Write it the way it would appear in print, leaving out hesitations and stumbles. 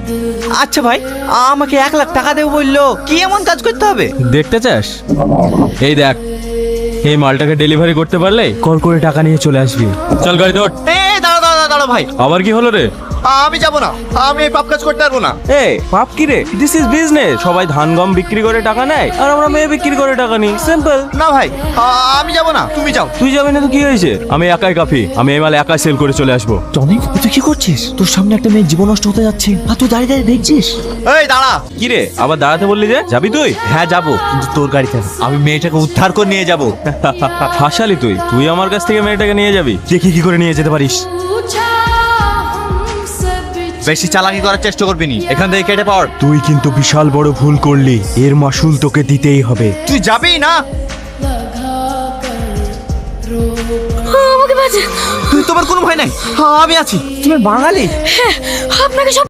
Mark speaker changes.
Speaker 1: আচ্ছা ভাই, আমাকে 1 লাখ টাকা দেবো বললো, কি এমন কাজ করতে হবে?
Speaker 2: দেখতে চাস? এই দেখ, এই মালটাকে ডেলিভারি করতে পারলে কল করে টাকা নিয়ে চলে আসবি। চল গাড়ি ধর।
Speaker 1: দাঁড়া দাঁড়া দাঁড়া ভাই,
Speaker 2: আবার কি হলো রে?
Speaker 1: আমি যাবো না, আমি এই পাপ কাজ করতে পারবো না।
Speaker 2: এ পাপ কি রে? This is business. সবাই ধান গম বিক্রি করে টাকা নেয়, আর আমরা মেয়ে বিক্রি করে টাকা নিই। সিম্পল।
Speaker 1: না ভাই, আমি যাবো না, তুমি যাও।
Speaker 2: তুই যাবি না তো কি হয়েছে? আমি একাই কাফি, আমি এই মাল একাই সেল করে চলে আসবো।
Speaker 3: টনি, তুই কি করছিস? তোর সামনে একটা মেয়ের জীবন নষ্ট হতে যাচ্ছে, আর তুই দাঁড়িয়ে দাঁড়িয়ে দেখছিস?
Speaker 1: এই দাঁড়া।
Speaker 2: কি রে, আবার দাঁড়াতে বললি যে? যাবি তুই?
Speaker 1: হ্যাঁ যাবো, কিন্তু তোর গাড়িতে না। আমি মেয়েটাকে উদ্ধার করে নিয়ে যাবো।
Speaker 2: হাসালি তুই? তুই আমার কাছ থেকে মেয়েটাকে নিয়ে যাবি? দেখি কি করে নিয়ে যেতে পারিস।
Speaker 1: বেশি চালাকি করার চেষ্টা করবি নি, এখান থেকে কেটে পড়।
Speaker 2: তুই কিন্তু বিশাল বড় ভুল করলি, এর মাসুল তোকে দিতেই হবে।
Speaker 1: তুই যাবি না?
Speaker 4: আমাকে বাঁচান।
Speaker 1: তোমার কোনো ভয় নাই, আমি আছি।
Speaker 3: তুমি বাঙালি?
Speaker 4: আপনাকে সব